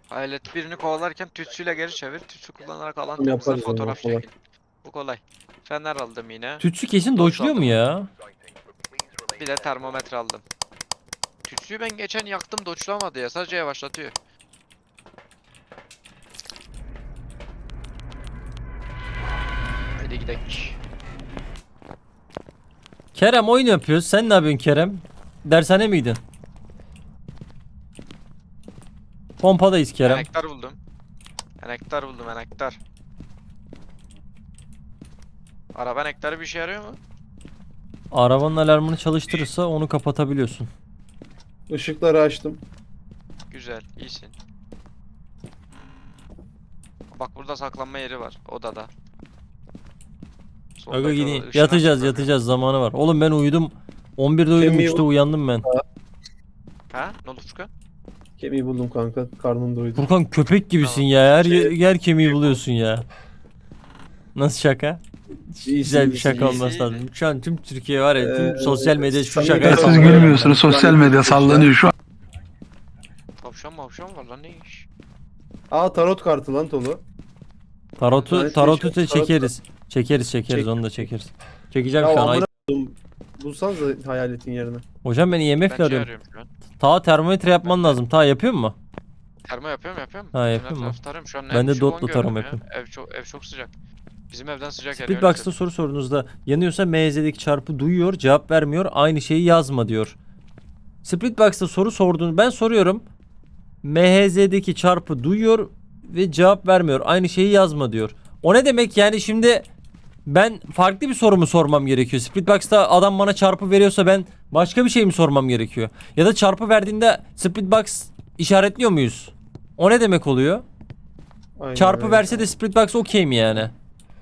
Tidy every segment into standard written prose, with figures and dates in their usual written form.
Hayalet birini kovalarken tütsüyle geri çevir. Tütsü kullanarak alan Bunu temizle, yaparız onu, fotoğraf kolay. çekin. Bu kolay. Fener aldım yine. Tütsü kesin Doç dodge'luyor mu aldım. ya? Bir de termometre aldım. Tütsüyü ben geçen yaktım, doçlamadı ya. Sadece yavaşlatıyor. Hadi gidelim. Kerem oyun yapıyoruz. Sen ne yapıyorsun Kerem? Dershane miydin? Pompadayız Kerem. Enektar buldum. Enektar buldum, enektar. Araba enektarı bir işe yarıyor mu? Arabanın alarmını çalıştırırsa onu kapatabiliyorsun. Işıkları açtım. Güzel, iyisin. Bak burada saklanma yeri var, odada. Aga Soldaki gideyim. oda, ışın Yatacağız açık yatacağız zamanı var. Oğlum ben uyudum. 11'de uyudum, Kemiği 3'te uyandım ben. bakıyor. Ha? Ne oldu Furkan? Kemiği buldum kanka. Karnım doydu. Furkan köpek gibisin Tamam. ya. Her Şey- yer kemiği buluyorsun ya. Nasıl şaka? Güzel bir iyisin, şaka iyisin. olması lazım. Şu an tüm Türkiye var ya, tüm Ee, sosyal medya şu samimi- şakayı Siz Siz sallıyor. gülmüyorsunuz. Sosyal medya sallanıyor şu an. Tavşan mavşan var lan, ne iş? Aa, tarot kartı lan Tolu. Tarotu Yani tarotu şey- da çekeriz. Çekeriz Çek. onu da çekeriz. Çekeceğim Ya şu an. Ay- amına koydum. Bulsanıza hayaletin yerine. Hocam ben IMF Ben ile şey arıyorum. arıyorum şu an. Ta termometre yapman lazım. Ta yapıyor mu? Termo yapıyorum. Ha, Bütün yapıyor mu? etrafı tarıyorum. Şu an Ben en de düşük dotla 10 gördüm tarama ya. yapıyorum. Ev çok sıcak. Bizim evden sıcak yer. Splitbox'ta soru sorduğunuzda yanıyorsa MZ'deki çarpı duyuyor, cevap vermiyor, aynı şeyi yazma diyor. Splitbox'ta soru sorduğunu ben soruyorum. MHZ'deki çarpı duyuyor ve cevap vermiyor, aynı şeyi yazma diyor. O ne demek yani? Şimdi ben farklı bir soru mu sormam gerekiyor? Splitbox'ta adam bana çarpı veriyorsa ben başka bir şey mi sormam gerekiyor? Ya da çarpı verdiğinde Splitbox işaretliyor muyuz? O ne demek oluyor? Aynen Çarpı öyle. verse de Splitbox okey mi yani?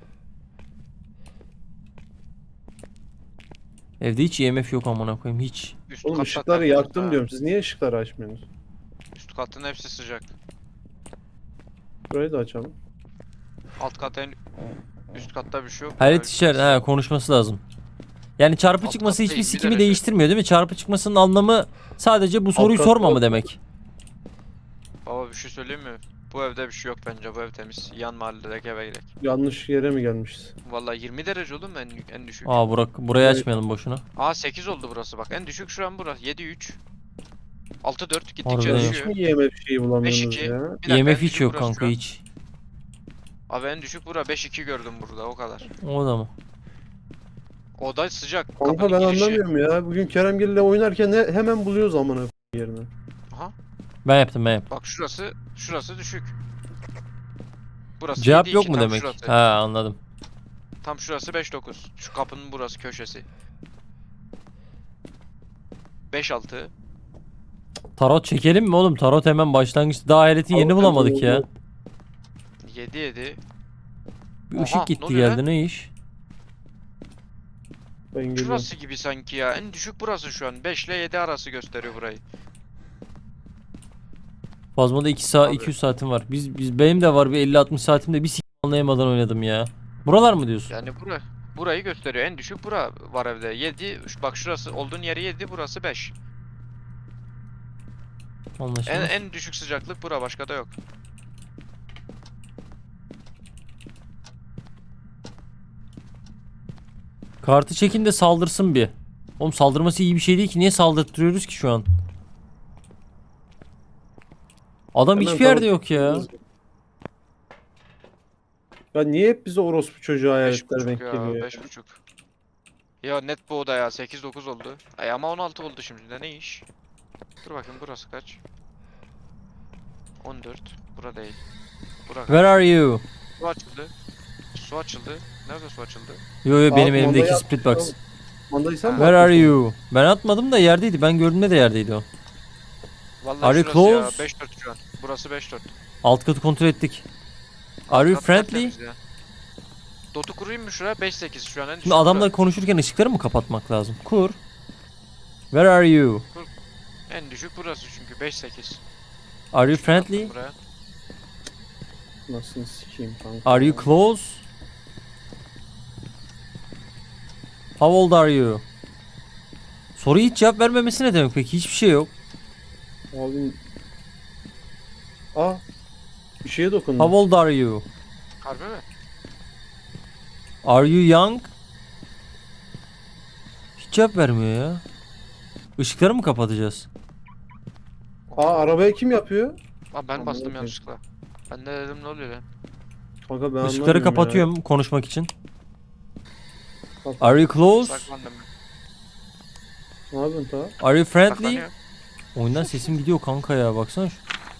Evde hiç IMF yok amına koyayım, hiç. Üst Oğlum katta ışıkları tertemiz yaktım ha. diyorum. Siz niye ışıkları açmıyorsunuz? Üst katın hepsi sıcak. Burayı da açalım. Alt katta üst katta bir şey yok. Hayret Böyle işler, bir- konuşması lazım. Yani çarpı Alt çıkması katta hiçbir 20 sikimi derece. değiştirmiyor değil mi? Çarpı çıkmasının anlamı sadece bu soruyu katta sorma mı yok. demek? Baba bir şey söyleyeyim mi? Bu evde bir şey yok bence. Bu ev temiz. Yan mahalledeki eve gidelim. Yanlış yere mi gelmişiz? Vallahi 20 derece oğlum en düşük. Aa burayı Evet. açmayalım boşuna. Aa 8 oldu burası bak. En düşük şu an burası. 7-3. 6-4 gittikçe Harbiden Hiç düşüyor. mi IMF şeyi bulamıyorsunuz 5-2. ya? Bir dakika, IMF en hiç düşük yok burası kanka, şu an. hiç. Abi en düşük bura 5-2 gördüm burada o kadar. O da mı? Oda sıcak. Kanka kapının ben girişi. anlamıyorum ya. Bugün Keremgil ile oynarken hemen buluyoruz amına yerini. Aha. Ben yaptım. Bak şurası düşük. Burası Cevap 7-2, yok mu tam demek? şurası. Ha, anladım. Tam şurası 5-9. Şu kapının burası köşesi. 5-6. Tarot çekelim mi oğlum? Tarot hemen başlangıçta. Daha hayaletin yerini Tarot bulamadık ya. yok. 7-7. Bir Oha, ışık ne gitti oluyor geldi, ne iş? Ben geliyorum. Şurası gibi sanki ya. En düşük burası şu an. 5 ile 7 arası gösteriyor burayı. Fazmada 2 saat Abi. 200 saatim var. Benim de var bir 50-60 saatimde bir anlayamadan oynadım ya. Buralar mı diyorsun? Yani burayı gösteriyor. En düşük bura var evde. 7. Bak şurası olduğun yeri 7, burası 5. Anlaşıldı. En düşük sıcaklık bura, başka da yok. Kartı çekin de saldırsın bir. Oğlum saldırması iyi bir şey değil ki. Niye saldırtıyoruz ki şu an? Adam Hemen hiçbir yerde tarot- yok ya. Ya niye hep bize orospu çocuğu hayaletler 5.5 denk ya, geliyor ya? 5.5. Ya net bu oda ya, 8-9 oldu. Ay ama 16 oldu şimdi de, ne iş? Dur bakayım burası kaç? 14. Bura değil. Bura kaç? Where are you? Su açıldı. Su açıldı. Nerede su açıldı? Yo yo, benim Abi, elimdeki mandayı split box. Mandayı sen mi Where are atmışsın? you? Ben atmadım da yerdeydi. Ben gördüğümde de yerdeydi o. Vallahi Are you şurası ya, close? 5-4 şu an. Burası 5-4. Alt katı kontrol ettik. Are you Kat friendly? tertemiz ya. Dotu kurayım mı şuraya? 5-8 şu an en düşük Şimdi adamla bura. konuşurken ışıkları mı kapatmak lazım? Kur. Where are you? En düşük burası çünkü 5-8. Are you friendly? Buraya. Nasıl sikeyim kanka? Are you close? How old are you? Soruya hiç cevap vermemesi ne demek peki? Hiçbir şey yok. Abi... Aa, Bir şeye dokundum. How old are you? Harbi mi? Are you young? Hiç cevap vermiyor ya. Işıkları mı kapatacağız? Aa, arabaya kim yapıyor? Aa, ben bastım Anladım. yanlışlıkla. Ben de dedim ne oluyor lan? Kanka ben Işıkları anlamıyorum kapatıyorum konuşmak için. ya. Are you close? Saklandım. Ne yapıyorsun ta? Are you friendly? Saklanıyor. Oyundan sesim gidiyor kanka ya, baksana şu.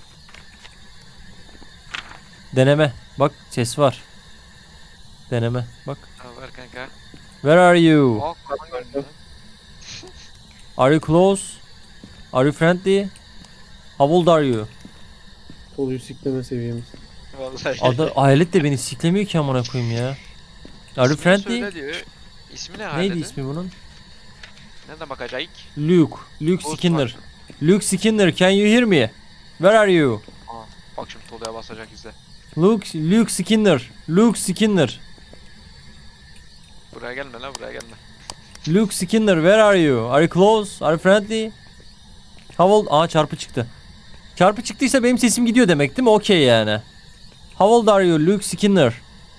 Deneme. Bak ses var. Deneme. Bak. Ha, ver kanka. Where are you? Aa, kapan görünüyor lan. Are you close? Are you friendly? How old are you? Toluyu sikleme seviyemiz. Vallahi. Adı hayalet de beni siklemiyor ki amına koyayım ya. Are you İsmini friendly? söyle diyor. İsmi ne Neydi haletin? ismi bunun? Ne demek acayip? Luke. Luke Ghost Skinner. var. Luke Skinner, can you hear me? Where are you? Aa, bak şimdi Tolu'ya basacak izle. Luke Skinner. Luke Skinner. Buraya gelme lan, buraya gelme. Luke Skinner, where are you? Are you close? Are you friendly? How old? Aa, çarpı çıktı. Çarpı çıktıysa benim sesim gidiyor demek değil mi? Okey yani. How old are you, Luke Skinner?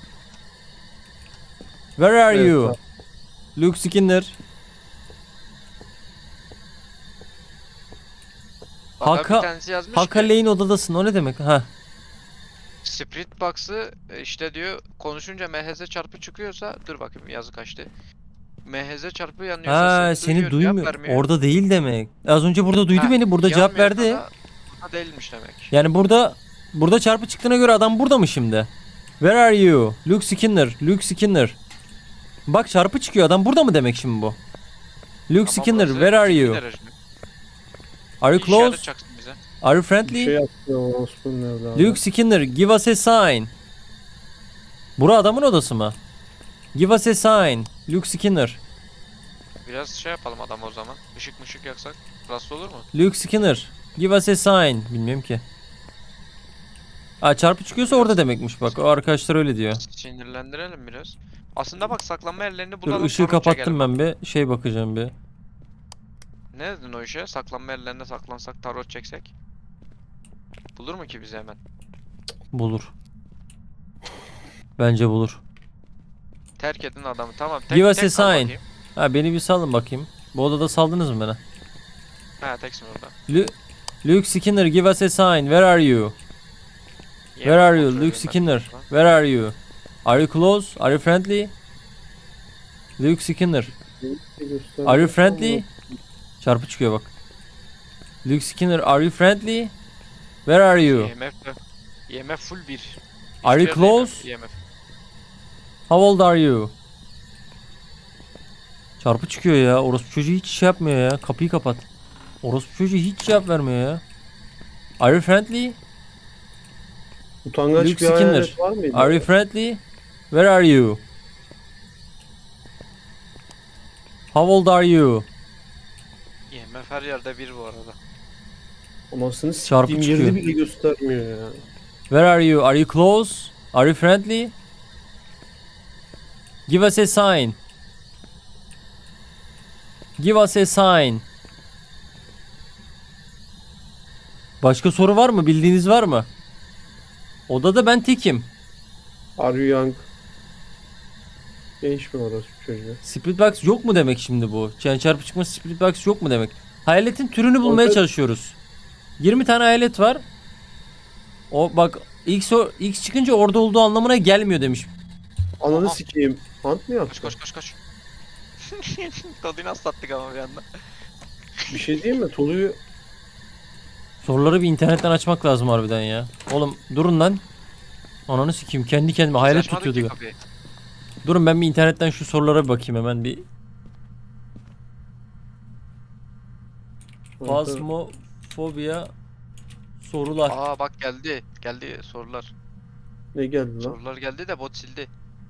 Where are Evet, you? tamam. Luke Skinner. Bak Haka- bir tanesi yazmış Haka ki Lane odadasın. O ne demek? Ha. Spirit Box'ı işte diyor konuşunca MHZ çarpı çıkıyorsa dur bakayım yazı kaçtı. MHZ çarpı yanıyorsa Ha, seni cevap duymuyor. vermiyor. Orada değil demek. Az önce burada duydu Ha, beni. Burada cevap yanmıyorsa verdi. da burada değilmiş demek. Yani burada çarpı çıktığına göre adam burada mı şimdi? Where are you? Luke Skinner. Luke Skinner. Bak çarpı çıkıyor. Adam burada mı demek şimdi bu? Luke Ama Skinner, burası where are 20 you? derece. Are you Bir işaret close? çaksın bize. Are you Bir friendly? şey yaptı orospunun evladı. Luke Skinner, give us a sign. Bura adamın odası mı? Give us a sign. Luke Skinner. Biraz şey yapalım adam o zaman. Işık mışık yaksak rahatsız olur mu? Luke Skinner, give us a sign. Bilmiyorum ki. Aa, çarpı çıkıyorsa orada demekmiş bak. O arkadaşlar öyle diyor. Sinirlendirelim biraz. Aslında bak saklanma yerlerini Dur, bulalım. ışığı tarot kapattım çekelim. ben bir. Şey bakacağım bir. Ne dedin o işe? Saklanma yerlerine saklansak tarot çeksek. Bulur mu ki bizi hemen? Bulur. Bence bulur. Terk edin adamı tamam. Give us a kal sign. bakayım. Ha, beni bir salın bakayım. Bu odada saldınız mı bana? Ha teksin orada. Luke Skinner, give us a sign. Where are you? Where are you? Luke Skinner. Where are you? Are you close? Are you friendly? Luke Skinner. Are you friendly? Çarpı çıkıyor bak. Luke Skinner, are you friendly? Where are you? IMF full 1. Are you close? IMF. How old are you? Çarpı çıkıyor ya. Orospu çocuğu hiç şey yapmıyor ya. Kapıyı kapat. Orospu çocuğu hiç cevap vermiyor ya. Are you friendly? Utangaç Luke bir hayalet Skinner. var mıydı? Are you friendly? Where are you? How old are you? IMF her yerde 1 bu arada. Anasını Çarpı siktiğim çıkıyor. yerini bile göstermiyor ya. Where are you? Are you close? Are you friendly? Give us a sign. Give us a sign. Başka soru var mı? Bildiğiniz var mı? Odada ben tekim. Are you young? Genç mi orası çocuğu? Split box yok mu demek şimdi bu? Yani çarpı çıkması split box yok mu demek? Hayaletin türünü bulmaya Orada- çalışıyoruz. 20 tane hayalet var. O bak X çıkınca orada olduğu anlamına gelmiyor demiş. Ananı Aha. sikeyim. Hunt mı yaptı? Koş. Tadını nasıl sattık ama bir anda. Bir şey diyeyim mi? Toluyu Soruları bir internetten açmak lazım harbiden ya. Oğlum durun lan. Ananı sikeyim kendi kendime hayalet Açmadık tutuyordu. ki kapıyı. Durun ben bir internetten şu sorulara bir bakayım hemen bir. Phasmophobia sorular. Aa bak geldi. Geldi sorular. ne geldi lan? Sorular geldi de bot sildi.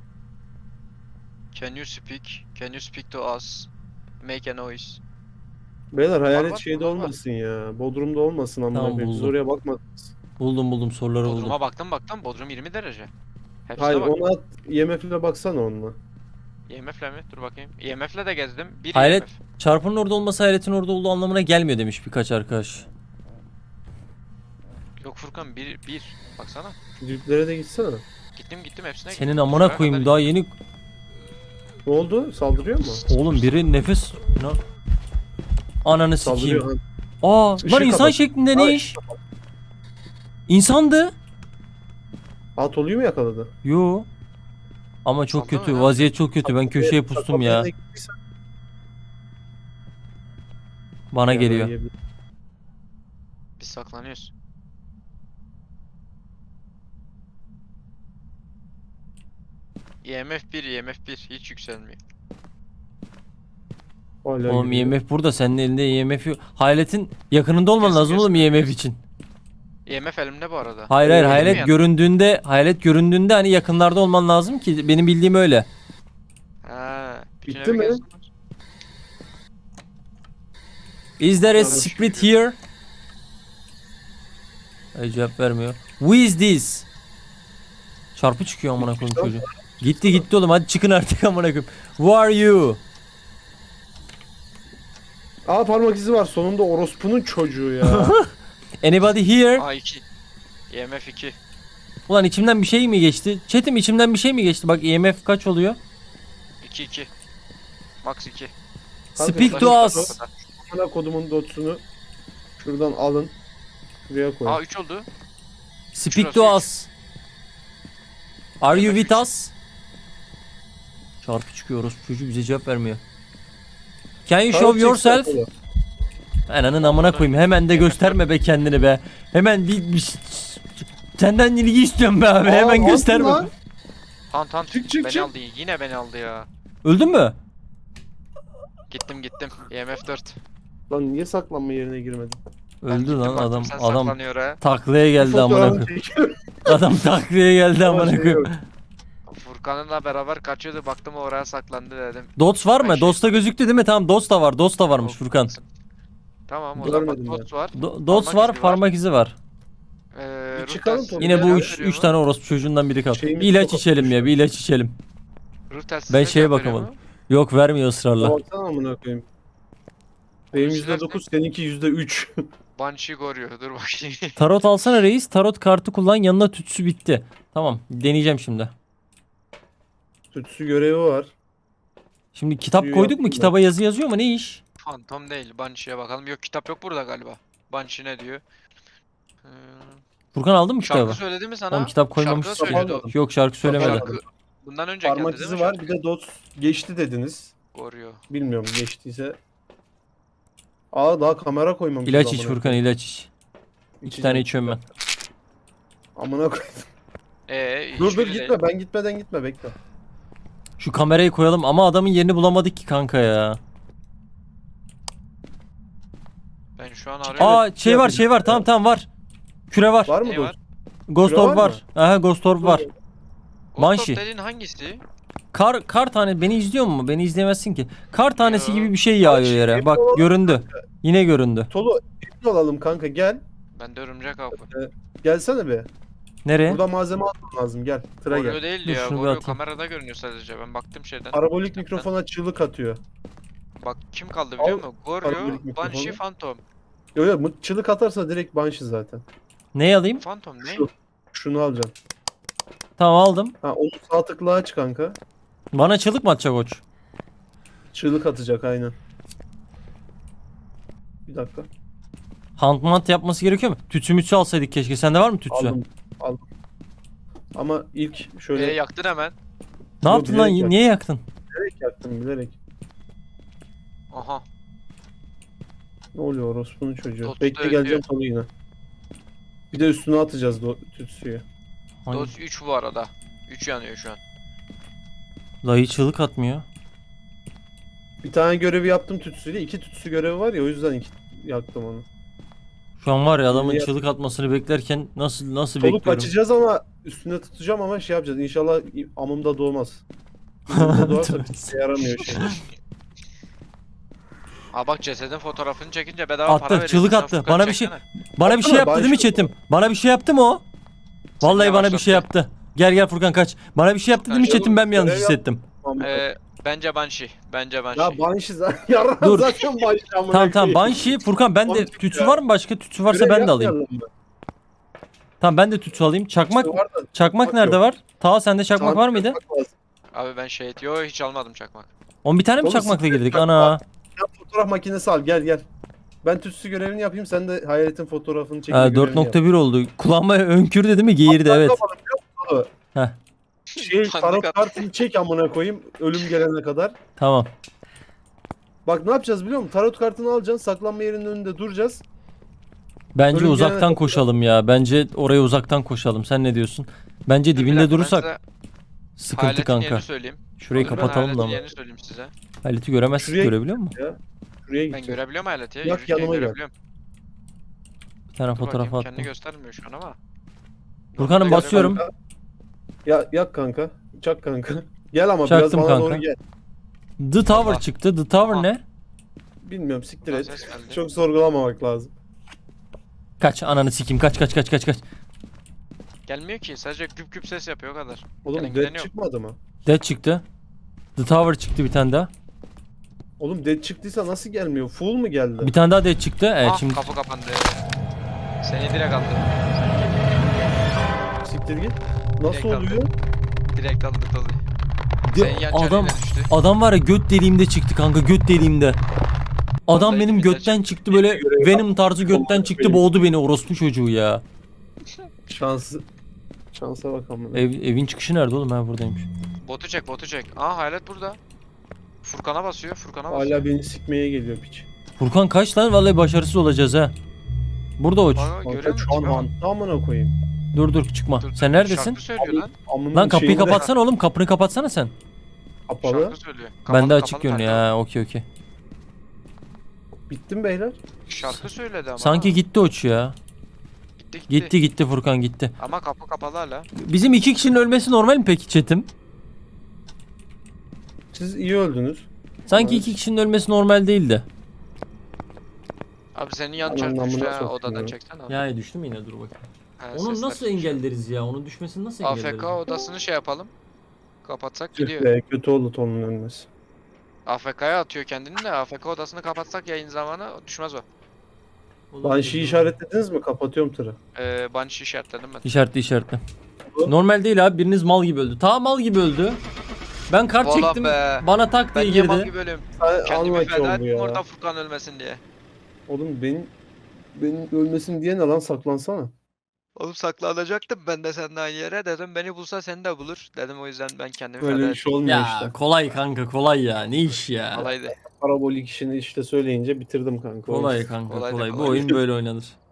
Can you speak? Can you speak to us? Make a noise. Beyler hayalet var, şeyde var. olmasın ya. Bodrum'da olmasın amına Tamam, koyayım. Siz buldum. oraya bakmadınız. Buldum soruları buldum. Bodrum'a baktım. Bodrum 20 derece. Hepsine Hayır bak. ona at. IMF'le baksana onunla. IMF'le mi? Dur bakayım. IMF'le de gezdim. Bir Hayalet- IMF. Çarpının orada olması hayaletin orada olduğu anlamına gelmiyor demiş birkaç arkadaş. Yok Furkan bir. Baksana. Diplere de gitsene. Gittim hepsine Senin gittim. amına Şuraya koyayım kadar daha yeni. Ne oldu? Saldırıyor mu? Oğlum biri nefes. Ne? Ananı Saldırıyor. sikeyim. Ha. Aa Işığı lan insan kapat. şeklinde ne Ay. iş? İnsandı. Aa Tolu'yu mu yakaladı? Yo. Ama çok Sallama kötü. ya. Vaziyet çok kötü. Ben köşeye pustum ya. Bana geliyor. Biz saklanıyoruz. IMF 1 IMF 1 hiç yükselmiyor. Oğlum IMF burada. Senin elinde IMF yok. Hayaletin yakınında olman Kesin, lazım oğlum kesin. IMF için. IMF elimde bu arada. Hayır Elim hayalet yandı. göründüğünde hani yakınlarda olman lazım ki benim bildiğim öyle. Ha, bütün Bitti evi mi? gezdim. Is there a Yanlış split here? Ay cevap vermiyor. Who is this? Çarpı çıkıyor amına koyayım çocuğu. Gitti oğlum hadi çıkın artık amına koyayım. Who are you? Aa parmak izi var sonunda orospunun çocuğu ya. Anybody here? A2. IMF 2. Ulan içimden bir şey mi geçti? Chat'im içimden bir şey mi geçti? Bak IMF kaç oluyor? 2. Max 2. Kanka, Speak to ulaşın. us. Bana kodumun dotsunu şuradan alın. Buraya koyun. A 3 oldu. Speak Şurası to us. Are you IMF with 3. us? Çarpı çıkıyoruz. Çocuk bize cevap vermiyor. Can you Kanka, show çeksene yourself? Tolu. Ananın amına koyayım. Hemen de gösterme be kendini be. Hemen senden ilgi istiyorum be abi. Aa, Hemen aldın gösterme. lan. Han Çık, beni çık. aldı. Yine beni aldı ya. Öldün mü? Gittim. IMF 4. Lan niye saklanma yerine girmedin? Ben Öldü gittim, lan baktım adam. sen Adam saklanıyor ha. taklaya geldi amına Fotoğrafını koyayım. çekiyorum. Adam taklaya geldi Ama amına şey koyayım. yok. Furkan'la beraber kaçıyordu. Baktım oraya saklandı dedim. Dots var Ben mı? şey- Dots'ta gözüktü değil mi? Tamam Dots da var. Dots da varmış Furkan. Tamam o zaman Görmedim ben. Dots var. Dots Parmak var, izi parmak izi var. Ruh çıkalım telsizi tabii. Yine bu Ya, üç tane orospu çocuğundan biri kaldı. Şeyimiz Bir ilaç çok içelim ya, bir ilaç içelim. Ruh telsizi Ben ne şeye cevap veriyor bakamadım. mu? Yok vermiyor ısrarla. Baksana amına koyayım. Benim Onu %9 seninki %3. Banshee koruyor. Dur bakayım. Tarot alsana reis. Tarot kartı kullan. Yanına tütsü bitti. Tamam, deneyeceğim şimdi. Tütsü görevi var. Şimdi kitap Suyu koyduk yaptım mu? ben. Kitaba yazı yazıyor mu? Ne iş? Phantom değil. Banshee'ye bakalım. Yok kitap yok burada galiba. Banshee ne diyor? Furkan aldın mı Şarkı kitabı? söyledi mi sana? Oğlum kitap koymamış. Şarkı da söyledi o. Almadım. Yok şarkı söylemedi. Almadım. Bundan önceki Parmak değil izi mi var. şarkı? Bir de dots geçti dediniz. Koruyor. Bilmiyorum geçtiyse. Aa daha kamera koymamışız. İlaç iç amına Furkan koyayım. ilaç iç. İki İçeceğim. tane içiyorum ben. Amına koy. Dur Hiçbiri değil. gitme ben gitmeden gitme bekle. Şu kamerayı koyalım ama adamın yerini bulamadık ki kanka ya. Ben şu an arıyorum. Aa şey var tamam var. Küre var. Var mı Ne dost? var? Ghost Küre Orb var var. Aha Ghost Orb var. Ghost Banshee. of dediğin hangisi? Kar tane beni izliyor mu? Beni izleyemezsin ki. Kar tanesi Yo. gibi bir şey yağıyor Banshee yere. hep Bak o- göründü. Yine göründü. Tolu emin olalım kanka gel. Ben de örümcek avı. Gelsene be. Nereye? Burada malzeme almam lazım gel. Tıra Koruyor gel. değil Dur, ya. şunu bir Koruyor atayım. kamerada görünüyor sadece. Ben baktım şeyden. Parabolik mikrofona çığlık atıyor. Bak kim kaldı biliyor musun? Koruyor, parabolik mikrofonu. Banshee, Phantom. Yo yo çığlık atarsa direkt Banshee zaten. Neyi alayım? Phantom ne? Şu. Şunu alacaksın. Tamam aldım. Ha onu sağ tıkla aç kanka. Bana çığlık mı atacak koç? Çığlık atacak aynen. Bir dakika. Hunt yapması gerekiyor mu? Tütsü mütsü alsaydık keşke. Sende var mı tütsü? Aldım. Ama ilk şöyle Yaktın hemen. Ne yaptın lan? bilerek Niye yaktın? bilerek yaktım bilerek. Aha. Ne oluyor orospunun çocuğu? Dostu Bekle ölüyor. geleceğim Tolu yine. Bir de üstüne atacağız tütsüyü. Hangi- Doz 3 bu arada. 3 yanıyor şu an. Dayı çığlık atmıyor. Bir tane görevi yaptım tütsüyle. 2 tütsü görevi var ya o yüzden yaktım onu. Şu an var ya adamın Niye- çığlık atmasını beklerken nasıl Tolu bekliyorum. kaçacağız ama üstüne tutacağım ama şey yapacağız. İnşallah amımda doğmaz. Amımda doğarsa bir şey yaramıyor şey. Aa bak cesedin fotoğrafını çekince bedava Attı, para veriyor. çığlık Sen attı. Furkan Bana bir şey- çeksene. Bana bir şey Atsana, yaptı değil mi başka- chatim? Bana bir şey yaptı mı o? Vallahi bana bir şey yavaşlattı. yaptı. Gel Furkan kaç. Bana bir şey yaptı değil mi Furkan, chatim? Ben mi yanlış görev yap- hissettim? Bence Banshee. Bence Banshee. Ya Banshee zaten yarın Dur. zaten Banshee amına Tamam koyayım. Banshee. Furkan bende Oğlum, tütsü ya. var mı başka? Tütsü varsa Görev ben de alayım. yapmayalım mı? Tamam ben de tütsü alayım. Çakmak İşte var da çakmak nerede yok. var? Ta sende çakmak Çakmak var mıydı? lazım. Abi ben şehit. Yo hiç almadım çakmak. On bir tane mi Oğlum, çakmakla siktir girdik? çakmak. Ana. Ya fotoğraf makinesi al gel. Ben tütsü görevini yapayım sen de hayaletin fotoğrafını çekme Ha, görevini yap. 4.1 oldu. Kulağıma önkürdü değil mi? Geğirdi evet. Kanka bana biliyor musun? Heh. Tanrı Tarot kat- kartını çek amına koyayım ölüm gelene kadar. Tamam. Bak ne yapacağız biliyor musun? Tarot kartını alacaksın, saklanma yerinin önünde duracağız. Bence Ölüm gelene uzaktan kadar- koşalım ya. Bence oraya uzaktan koşalım. Sen ne diyorsun? Bence Bir dakika, dibinde ben durursak size sıkıntı hayaletin kanka. yerini söyleyeyim. Şurayı Dur, ben kapatalım da hayaletin ama. yerini söyleyeyim size. Haleti göremezsin. Şuraya- Görebiliyor musun? Şuraya Ben gideceğiz. görebiliyorum hayaleti ya. Yak, Yürürken yanıma gel. görebiliyorum. Bir tane Dur fotoğraf bakayım, attım. kendini göstermiyor şu an ama. Furkan'ım Normalde basıyorum. Kanka. Yak kanka. Çak kanka. Gel ama Çaktım biraz bana kanka. doğru gel. The Tower Allah. çıktı. The Tower Allah. ne? Bilmiyorum siktir Lan et. ses geldi. Çok sorgulamamak lazım. Kaç ananı sikeyim. Kaç. Gelmiyor ki. Sadece küp küp ses yapıyor o kadar. Oğlum Gelen dead giden yok. çıkmadı mı? Dead çıktı. The Tower çıktı bir tane daha. Oğlum dead çıktıysa nasıl gelmiyor? Full mu geldi? Bir tane daha dead çıktı. Evet Ah şimdi kapı kapandı. Seni direkt aldı. Siktir git. Nasıl Direkt oluyor? Direkt aldı tadı. De- Senin yan adam düştü. adam var ya göt deliğimde çıktı kanka göt deliğimde. Adam Vallahi benim dibinde götten çıktı böyle Görev Venom tarzı götten Vallahi çıktı benim. boğdu beni orospu çocuğu ya. Şansa bak amına. Evin çıkışı nerede oğlum ben buradaymış. Botu çek. Aa hayalet burada. Furkan'a basıyor. basıyor. Hala beni sikmeye geliyor piç. Furkan kaç lan vallahi başarısız olacağız ha. Burada uç. Bak, görüyor Kanka musun? şu an Tipe bak. hanta amına koyayım. Dur çıkma. Dur, Sen dur, neredesin? Şarkı söylüyor lan. Amının Lan kapıyı şeyinde kapatsana oğlum kapını kapatsana sen. Kapalı. Şarkı söylüyor. Bende Kapalı, açık kapalı görünüyor kanka. ya okey. Bittim beyler. Şarkı söyledi ama. Sanki gitti uç ya. Gitti Furkan gitti. Ama kapı kapalı hala. Bizim 2 kişinin ölmesi normal mi peki chatim? Siz iyi öldünüz. Sanki Evet. 2 kişinin ölmesi normal değildi. Abi senin yan Aman çarpı namına düştü ha, sokayım odadan ya. çeksene abi. Ya düştü mü yine dur bakayım. Ha, Onu sesler nasıl çıkıyor. engelleriz ya? Onun düşmesini nasıl engelleriz? AFK odasını şey yapalım. Kapatsak Tüh gidiyor. be kötü oldu Ton'un ölmesi. AFK'ya atıyor kendini de AFK odasını kapatsak yayın zamanı düşmez o. Banshee işaretlediniz mi? Kapatıyorum tırı. Banshee işaretledim ben. İşaretli. Normal değil abi biriniz mal gibi öldü. Ta mal gibi öldü. Ben kart Valla çektim. be. Bana tak Ben diye niye mal girdi. gibi ölüyorum? Sen Kendimi anlaki feda oldu ettim ya. oradan Furkan ölmesin diye. Oğlum benim ölmesin diye ne lan saklansana. Oğlum saklanacaktım ben de seninle aynı yere. Dedim beni bulsa seni de bulur. Dedim o yüzden ben kendimi feda Böyle ettim. iş olmuyor Ya işte. kolay kanka kolay ya. Ne iş ya? Kolaydı. Parabolik işini işte söyleyince bitirdim kanka. Kolay kanka Kolay da kolay. Bu kolay. oyun böyle oynanır.